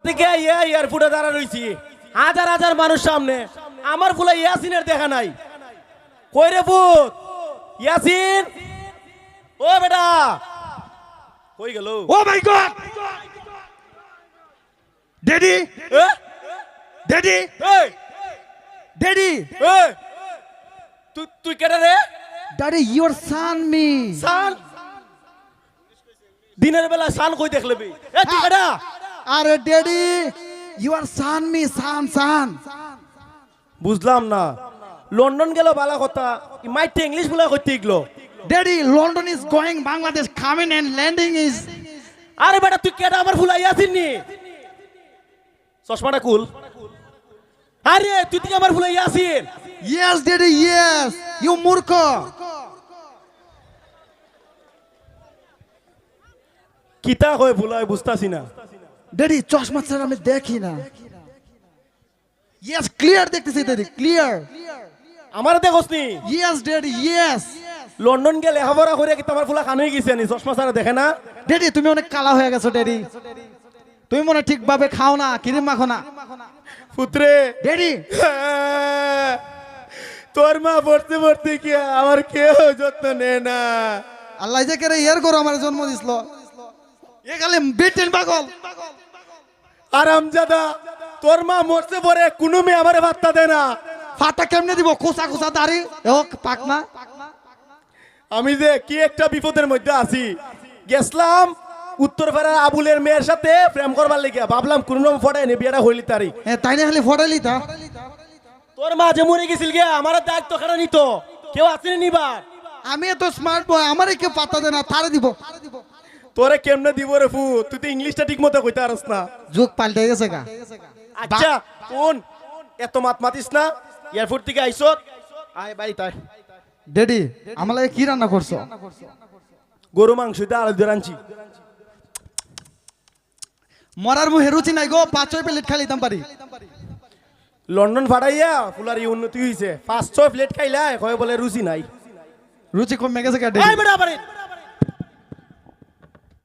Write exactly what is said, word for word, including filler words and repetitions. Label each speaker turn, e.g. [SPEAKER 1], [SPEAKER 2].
[SPEAKER 1] থেকে ইয়া এয়ারপোর্টে দাঁড়া রইছি হাজার হাজার মানুষ সামনে আমার ফুলা ইয়াসিনের দেখা নাই কই রে পুত ইয়াসিন ও বেটা কই গেল
[SPEAKER 2] ও মাই গড ড্যাডি
[SPEAKER 1] এ
[SPEAKER 2] ড্যাডি
[SPEAKER 1] এই
[SPEAKER 2] ড্যাডি
[SPEAKER 1] এই তুই তুই কেডা রে
[SPEAKER 2] daddy your son me
[SPEAKER 1] son দিনের বেলা সান কই দেখলবি এ তুই কেডা
[SPEAKER 2] আরে daddy your son me son son
[SPEAKER 1] বুঝলাম না লন্ডন গেল বালা কথা মাইতে ইংলিশ বলা কইতে ইগলো
[SPEAKER 2] daddy London is going Bangladesh coming and landing is
[SPEAKER 1] আরে বেটা তুই কেডা আমার ফুলা ইয়াসিন নি চশমাটা কুল আরে তুই কি আমার ফুলা Yasin
[SPEAKER 2] yes daddy yes you মূর্খ
[SPEAKER 1] কিতা কয় ফুলা বুঝতাছি না
[SPEAKER 2] ড্যাডি চশমা ছাড়া আমি দেখি না ইয়েস ক্লিয়ার দেখতেছি ড্যাডি ক্লিয়ার
[SPEAKER 1] আমার দেখোস নি
[SPEAKER 2] ইয়েস ড্যাডি ইয়েস
[SPEAKER 1] লন্ডন গেলে লেখাপড়া করে কি তোমার ফুলা কান হয়ে গেছে নি চশমা ছাড়া দেখে না
[SPEAKER 2] ড্যাডি তুমি অনেক কালা হয়ে গেছো ড্যাডি তুমি মনে ঠিকভাবে খাও না ক্রিম মাখো না
[SPEAKER 1] পুত্রে
[SPEAKER 2] ড্যাডি
[SPEAKER 1] তোর মা পড়তে পড়তে কি আমার কেউ যত্ন নেয় না
[SPEAKER 2] আল্লাহ যে করে ইয়ার করো আমার জন্ম দিছিল এ গালে বেটেন পাগল
[SPEAKER 1] আরামজাদা তোর মা মরতে পরে কোনো মেয়ে আমারে ভাত্তা দেয় না
[SPEAKER 2] ফাটা কেমনে দিব খোসা খোসা দাড়ি ও পাক না
[SPEAKER 1] আমি যে কি একটা বিপদের মধ্যে আছি গেছলাম উত্তরপাড়ার আবুলের মেয়ের সাথে প্রেম করবার লেগে ভাবলাম কোন রকম ফটাই নি বিয়েটা হইলি তারি
[SPEAKER 2] এ তাই না খালি ফটাইলি তা
[SPEAKER 1] তোর মা যে মরে গেছিল গে আমার দায়িত্ব কেন নিত কেউ আসেনি নিবার
[SPEAKER 2] আমি এত স্মার্ট বয় আমারে কেউ পাত্তা দেয় না তারে দিব
[SPEAKER 1] তোরে কেমনে দিব রে ফু তুই তো ইংলিশটা ঠিক মতো কইতে পারস না
[SPEAKER 2] যুগ পাল্টে গেছে গা
[SPEAKER 1] আচ্ছা কোন এত মাত মাতিস না এয়ারপোর্ট থেকে আইছত আয় বাড়ি তাই
[SPEAKER 2] ড্যাডি আমার লাগে কি রান্না করছো
[SPEAKER 1] গরু মাংস দিয়ে আলু দিয়ে রাঁধছি
[SPEAKER 2] মরার মুহে রুচি নাই গো পাঁচ ছয় প্লেট খাই লিতাম পারি
[SPEAKER 1] লন্ডন ফাটাইয়া ফুলার এই উন্নতি হয়েছে পাঁচ ছয় প্লেট খাইলা কয় বলে রুচি নাই
[SPEAKER 2] রুচি কমে গেছে গা
[SPEAKER 1] আয়
[SPEAKER 2] ড্যাডি
[SPEAKER 1] বেটা বাড়ি